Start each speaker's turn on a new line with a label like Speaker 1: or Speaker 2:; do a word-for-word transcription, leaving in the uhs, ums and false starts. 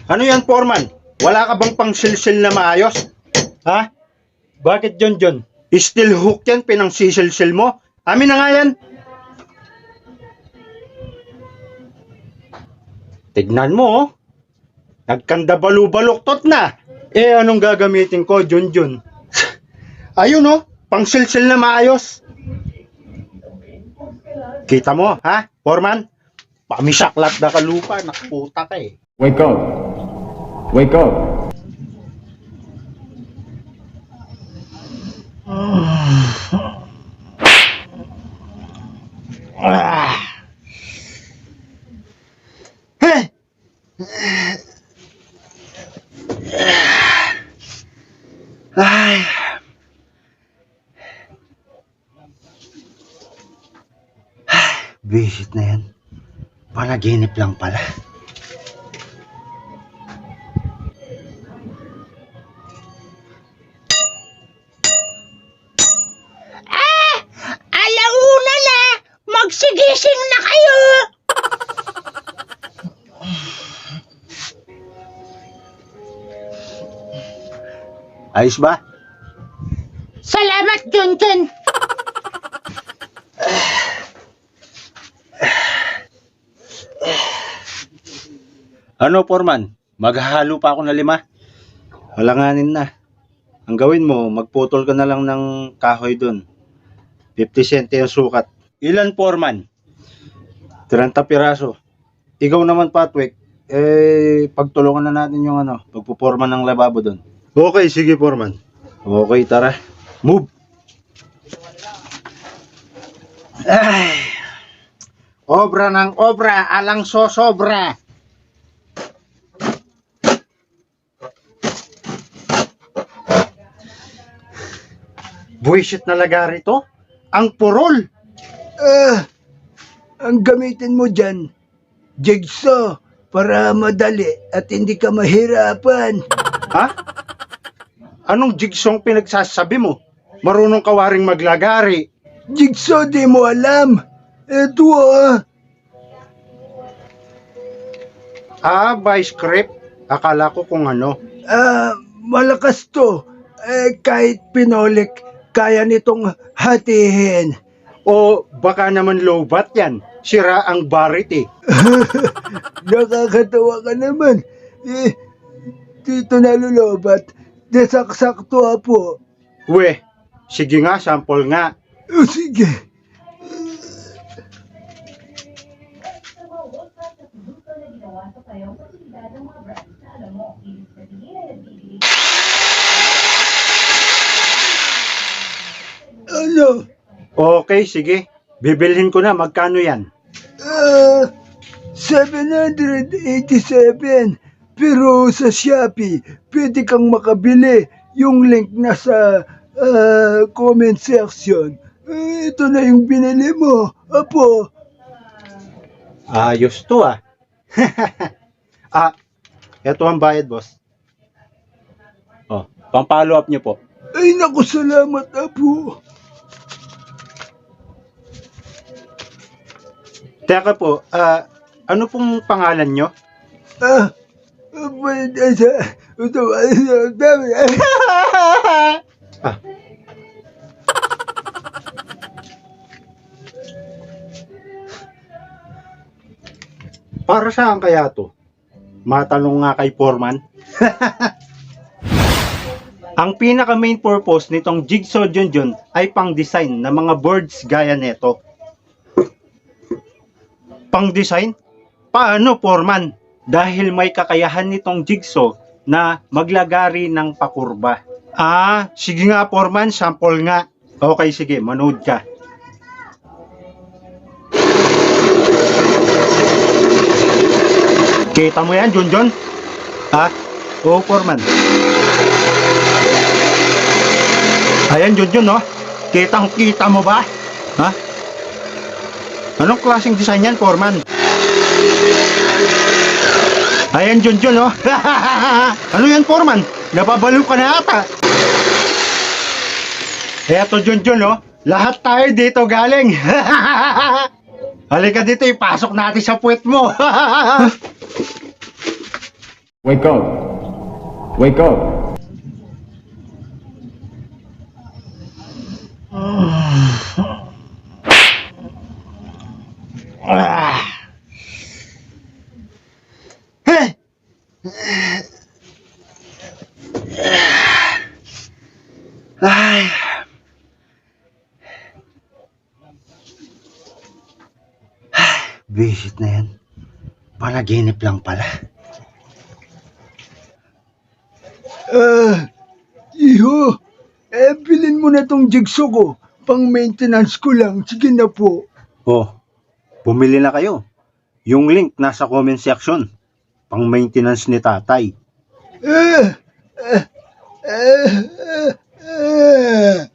Speaker 1: Ano yan, Foreman? Wala ka bang pang silsil na maayos? Ha? Bakit John John? Steel hook yan, pinang sisilsil mo? Amin na nga yan. Tignan mo, oh. Nagkanda balu-baluktot na. Eh, anong gagamitin ko, John John? Ayun, oh. Pang silsil na maayos. Kita mo, ha? Foreman? Pamisaklat na kalupa. Nakaputa ka eh.
Speaker 2: Wake up. Wake up.
Speaker 1: Ah. Hey. Ay. Visit na yan. Panaginip lang pala.
Speaker 3: Alauna na! Magsigising na kayo!
Speaker 1: Ayos ba?
Speaker 3: Salamat, Junjun!
Speaker 1: Ano, Foreman? Maghahalo pa ako na lima? Halanganin na. Ang gawin mo, magputol ka na lang ng kahoy dun. fifty centi ang sukat. Ilan, Foreman? thirty piraso. Ikaw naman, Patwick. Eh, pagtulungan na natin yung ano, pagpuporma ng lababo dun. Okay, sige, Foreman. Okay, tara. Move! Ay! Obra ng obra, alang sosobra. Buwisit na lagari to? Ang purol!
Speaker 4: Ah, ang gamitin mo dyan, jigsaw, para madali at hindi ka mahirapan.
Speaker 1: Ha? Anong jigsong pinagsasabi mo? Marunong ka waring maglagari.
Speaker 4: Jigsaw, di mo alam. Eto ah.
Speaker 1: Ah, by script? Akala ko kung ano.
Speaker 4: Ah, malakas to. Eh, kahit pinolik, kaya nitong hatihin.
Speaker 1: O baka naman lowbat yan. Sira ang barit eh.
Speaker 4: Nakakatawa ka naman. Eh, dito nalulobat. Desak-sakto po.
Speaker 1: We, sige nga, sample nga.
Speaker 4: O sige. Ano?
Speaker 1: Okay, sige. Bibilhin ko na. Magkano yan?
Speaker 4: Ah, seven hundred eighty-seven. Pero sa Shopee, pwede kang makabili. Yung link nasa ah, comment section. Ah, ito na yung binili mo. Apo.
Speaker 1: Ayos to ah. Ah, eto ang bayad, boss. Oh, pang-follow up niyo po.
Speaker 4: Ay naku, salamat apo.
Speaker 1: Teka po, ah, ano pong pangalan nyo?
Speaker 4: Ah, pwede sa... Ito,
Speaker 1: Ah. Para saan kaya to? Matanong nga kay Foreman. Ang pinaka main purpose nitong jigsaw Junjun ay pang-design ng mga birds gaya neto. Pang-design? Paano, Foreman? Dahil may kakayahan nitong jigsaw na maglagari ng pakurba. Ah, sige nga, Foreman, sample nga. Okay, sige, manood ka. Kita mo yan, Junjun? Ha? Oo, Foreman. Ayan, Junjun, no? Kitang-kita mo ba? Ha? Anong klaseng design yan, Foreman? Ayan, Junjun, no? Ano yan, Foreman? Napabalo ka na ata. Eto, Junjun, no? Lahat tayo dito galing. Halika dito, ipasok natin sa puwet mo.
Speaker 2: Wake up. Wake up.
Speaker 1: Ay. Visit na yan. Panaginip lang pala.
Speaker 4: Ah, iho, eh, bilhin mo na tong jigsaw ko. Pang maintenance ko lang. Sige na po.
Speaker 1: Oh, bumili na kayo. Yung link nasa comment section. Pang maintenance ni tatay.
Speaker 4: Ah, ah, ah, ah, ah.